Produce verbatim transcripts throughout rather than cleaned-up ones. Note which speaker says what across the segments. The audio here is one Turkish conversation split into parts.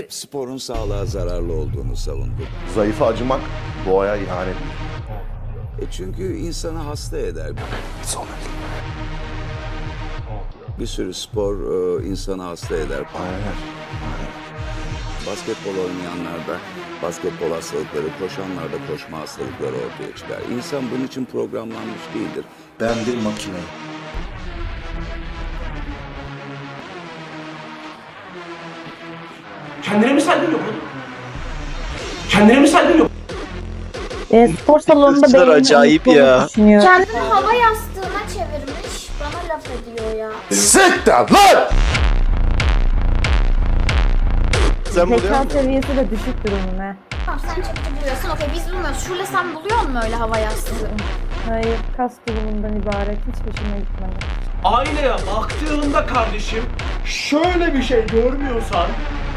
Speaker 1: hep sporun sağlığa zararlı olduğunu savundum.
Speaker 2: Zayıfa acımak doğaya ihanet.
Speaker 1: E çünkü insanı hasta eder. Bir sürü spor e, insanı hasta eder.
Speaker 2: Aynen.
Speaker 1: Basketbol oynayanlarda basketbol hastalıkları, koşanlarda koşma hastalıkları ortaya çıkar. İnsan bunun için programlanmış değildir.
Speaker 2: Ben bir makineyim.
Speaker 3: Kendine mi saygın yok oğlum? Kendine mi saygın yok?
Speaker 4: E, spor salonunda
Speaker 5: Kızlar
Speaker 4: benim
Speaker 5: acayip
Speaker 4: unuttuğumu
Speaker 5: ya.
Speaker 4: düşünüyor.
Speaker 6: Kendini hava yastığına çevirmiş. Bana laf ediyor ya.
Speaker 2: Siktir lan!
Speaker 5: Sen buluyor
Speaker 4: Zeka
Speaker 5: musun?
Speaker 4: seviyesi de düşük durumun he.
Speaker 6: Tamam sen çıktı buluyorsun. Okey biz bulmuyoruz. Şule sen buluyor musun öyle hava yastığı?
Speaker 4: Hayır, kas durumundan ibaret. Hiç peşime gitmedi.
Speaker 3: Aynaya baktığında kardeşim şöyle bir şey görmüyorsan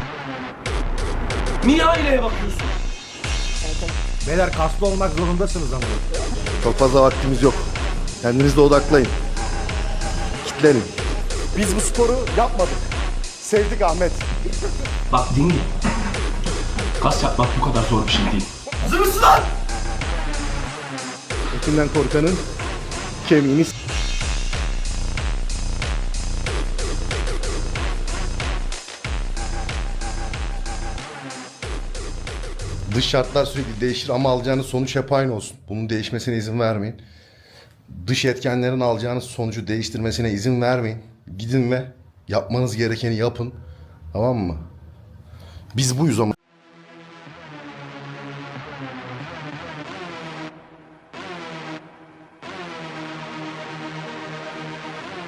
Speaker 3: niye aynaya bakıyorsun?
Speaker 7: Beyler kaslı olmak zorundasınız ama.
Speaker 2: Çok fazla vaktimiz yok. Kendinizle odaklayın. Kitlenin.
Speaker 7: Biz bu sporu yapmadık. Sevdik Ahmet.
Speaker 3: Bak dinle. Kas yapmak bu kadar zor bir şey değil. Hazır mısın lan?
Speaker 2: Etinden korkanın kemiğini s- Dış şartlar sürekli değişir ama alacağınız sonuç hep aynı olsun. Bunun değişmesine izin vermeyin. Dış etkenlerin alacağınız sonucu değiştirmesine izin vermeyin. Gidin ve yapmanız gerekeni yapın. Tamam mı? Biz buyuz ama.